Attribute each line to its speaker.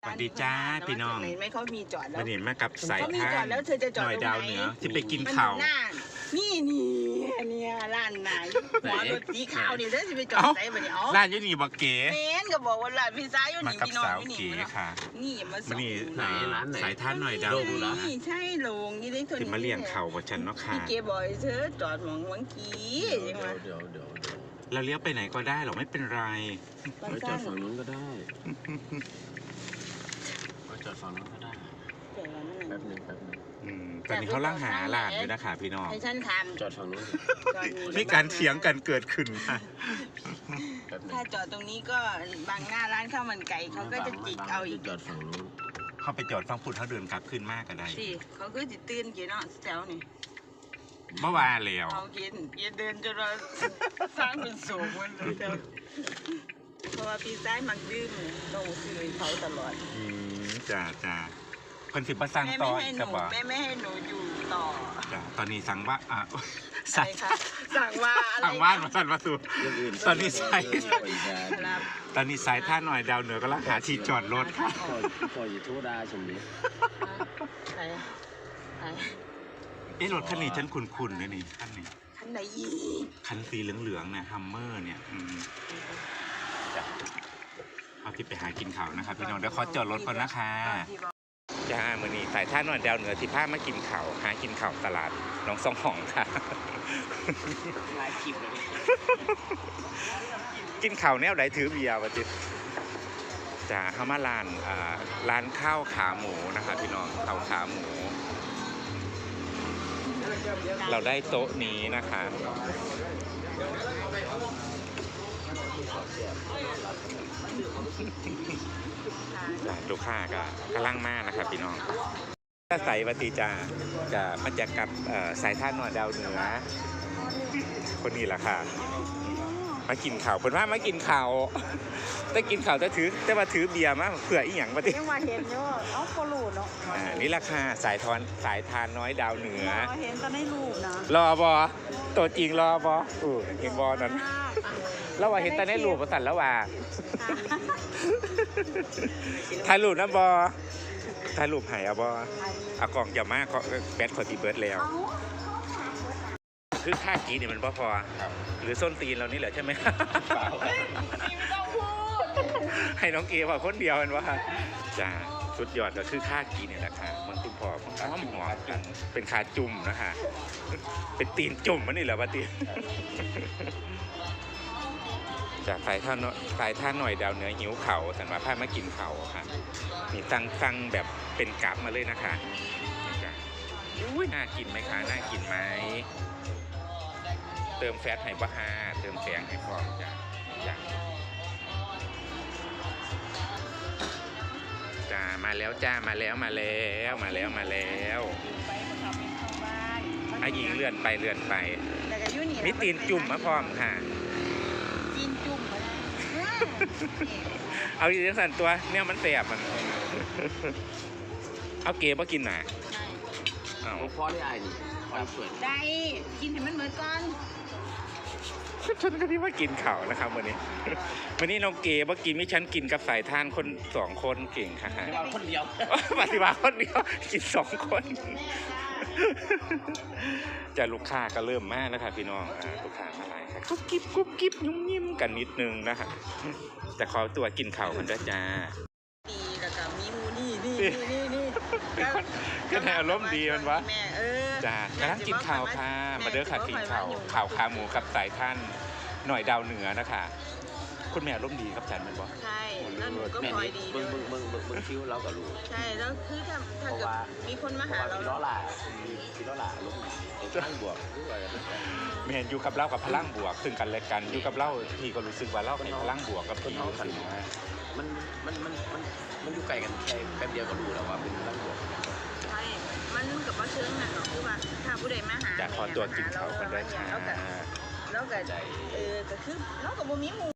Speaker 1: สวัสดีจ้าพี่น้อง
Speaker 2: ไม่เขามีจอดแล้ว
Speaker 1: มาเห็นมากับสายทาง
Speaker 2: แล้วเธอจะจอด
Speaker 1: หน่อยดาวเหนือจะไปกิน
Speaker 2: ข้า
Speaker 1: ข้าว
Speaker 2: นี่เนี่ยร้านไหนหัวรถสีขาวเนี่ยเธอจะไปจอดไหนบ่เนี่ยอ๋อ
Speaker 1: ร้านยูนี่บักเก๋
Speaker 2: เมนก็บอกว่าร้านพิซซ่าอยู่นี่พี่น้องอยู่
Speaker 1: นี่ค่ะ
Speaker 2: นี่มาส่ง
Speaker 1: ไหนร้านไหนสายท่านหน่อยดาวเหนือ
Speaker 2: นี่ใช่ลงนี่ได้ตัวนี้
Speaker 1: จะมาเลี้ยงเข่ากับฉันเนาะค่ะ
Speaker 2: พี่เก๋บอกเธอจอดหวังกี้ยังไง
Speaker 3: เดี๋ยว
Speaker 1: เราเลี้ยวไปไหนก็ได้หรอกไม่เป็นไร
Speaker 3: ไปจอดฝั่งนู้นก็ได้ไปจอดฝั่งนู้นก็ได้แป๊บนึง
Speaker 1: ตอนนี้เขาล่างหาร้านอยู่นะคะพี่น้อง
Speaker 2: ให้ฉันทำ
Speaker 3: จอดฝั่งนู้น
Speaker 1: มีการเถียงกันเกิดขึ้นค่ะ
Speaker 2: ถ้าจอดตรงนี้ก็บางหน้าร้านข้าวมันไก่เขาก็จะจิกเอาอีก
Speaker 3: จอดฝั่งนู้น
Speaker 1: เขาไปจอดฝั่งพุทธเขาเดินกลับขึ้นมากก็ได้
Speaker 2: สิเขาก็จะตื่นกี่เนาะแถวนี่
Speaker 1: เมื่อวานแล้ว
Speaker 2: เขากินเดินจนเราสร้างเป็นสูงมันเลยเพราะว่าพี่ซ้ายมักดื่มเราซื้อเขาตลอด
Speaker 1: จ้าคนสิบประสังต่อกับว่า
Speaker 2: ไม่ให้หนูอยู่ต่อ
Speaker 1: จ้าตอนนี้สั่งว่า
Speaker 2: สั่งว่า
Speaker 1: มาสั่นมาสู่ตอนนี้สายท่าหน่อยดาวเหนือก็ลักหาที่จอดรถค่ะ
Speaker 3: ปล่อยโทดาชมนี้
Speaker 1: รถคันนี้ฉันคุ้นๆเลยนี่คันนี้
Speaker 2: คันไหนอี
Speaker 1: คันสีเหลืองๆเนี่ยฮัมเมอร์เนี่ยเอาที่ไปหากินข้าวนะครับพี่น้องเดี๋ยวขอจอดรถก่อนนะคะจ้ามื้อนี้สายท่าหน่อยดาวเหนือที่พามากินข้าวหากินข้าวตลาดน้องสองห้องค่ะ
Speaker 2: หลายคลิปเลย
Speaker 1: กินข้าวแนวไหนถือเบียร์วะจิจ้าเข้ามาร้านข้าวขาหมูนะคะพี่น้องข้าวขาหมูเราได้โต๊ะนี้นะคะลูกค้าก็กำลังมากนะครับพี่น้องถ้าใส่ปฏิจาจะมาจากกับสายท่านวดดาวเหนือคนนี้แหละค่ะมากินข่าวเพิ่นว่ามากินข่าวแต่กินข่าวแต่ว่าถือเบียร์มาเผื่ออีหยังปฏิ
Speaker 2: ยังว่าเห็นอยู่เอาโคลูเนาะ
Speaker 1: นี่ราคาสายทานน้อยดาวเหนือ
Speaker 2: เห็นตอนในรูปนะ
Speaker 1: รอบอตัวจริงรอบอเห็นบอนั้นแล้วว่าเห็นตอนในรูปประสันแล้วว่าถ่ายรูปนะบอถ่ายรูปหายบอเอากล่องอย่ามากแบตขอตีเบิร์ดแล้วคือค่ากีเนี่ยมันพอหรือส้นตีนเรานี่แหละใช่ไหมให้น้องเก๋ว่าคนเดียวมันว่าจ้าสุดยอดก็คือค่ากีเนี่ยแหละค่ะมันคุณพ่อของอ้อมหัวกันเป็นขาจุ่มนะคะเป็นตีนจุ่มมันนี่แหละว่าตีจากสายท่าหน่อยดาวเหนือหิวเข่าสันว่าพามากินเข่าค่ะนี่ตั้งแบบเป็นกราฟมาเลยนะคะจ้าน่ากินไหมคะน่ากินไหมเติมแฟตให้บ้าเติมแสงให้พร้อมจ้ามาแล้วจ้ามาแล้วไอ้หญิงเลื่อนไปมีตีนจุ่มมาพร้อมค่ะ
Speaker 2: ตีนจุ่มมา
Speaker 1: เอาอีกสั่นตัวเนี่ยมันเสียบมันเอาเก๋มากินหน่ะ
Speaker 3: เอาพอได้ไอ้นี่
Speaker 2: ได้กินให้มันเหมือนกัน
Speaker 1: ฉันก็ที่ว่ากินข่าวนะครับวันนี้น้องเก๋ว่ากินไม่ฉันกินกับสายทานคน2 คนเก่งค่ะ
Speaker 3: คนเดียว
Speaker 1: ปฏิบัติคนเดียวกิน2 คนจะลูกค้าก็เริ่มมากแล้วค่ะพี่น้องลูกค้ามาหลายค่ะกุ๊บกิ๊บยุ่มยิ้มกันนิดนึงนะคะจะขอตัวกินข่าวกันด้วยจ้า
Speaker 2: ดีแล้วก็มีมูนี่
Speaker 1: ก็แนวล้มดีมันวะจ้ากำลังกินข่าวค่ะมาเด้อค่ะกินข่าวขาหมูกับสายท่านหน่อยดาวเหนือนะคะคุณแม่ร่มดีครับจันมันบอก
Speaker 2: ใช่แล้วหนูก็พลอยดี
Speaker 3: มึงคิ้วเรากับลูก
Speaker 2: ใช่แล้วคือถ้าเกิดมีคนมาหาเรา
Speaker 3: พี่ล้อหล่าลูกพลังบวก
Speaker 1: แม่อยู่กับเรากับพลังบวกซึ่งกันและกันอยู่กับเราพี่ก็รู้สึกว่าเราเป็นพลังบวกกับพี่อยู่กัน
Speaker 3: มันอยู่ไกลกันแค่แป๊บเดียวก็รู้แล้วว่าเป็นพลังบวก
Speaker 2: ใช่มันกับว่าเชิงน่ะเนาะคือว่าถ้าผู้ใดมาหา
Speaker 1: จะขอตัวกินเขากันได้ค่ะ
Speaker 2: แล้วก็ก็คือเรากับบ่มี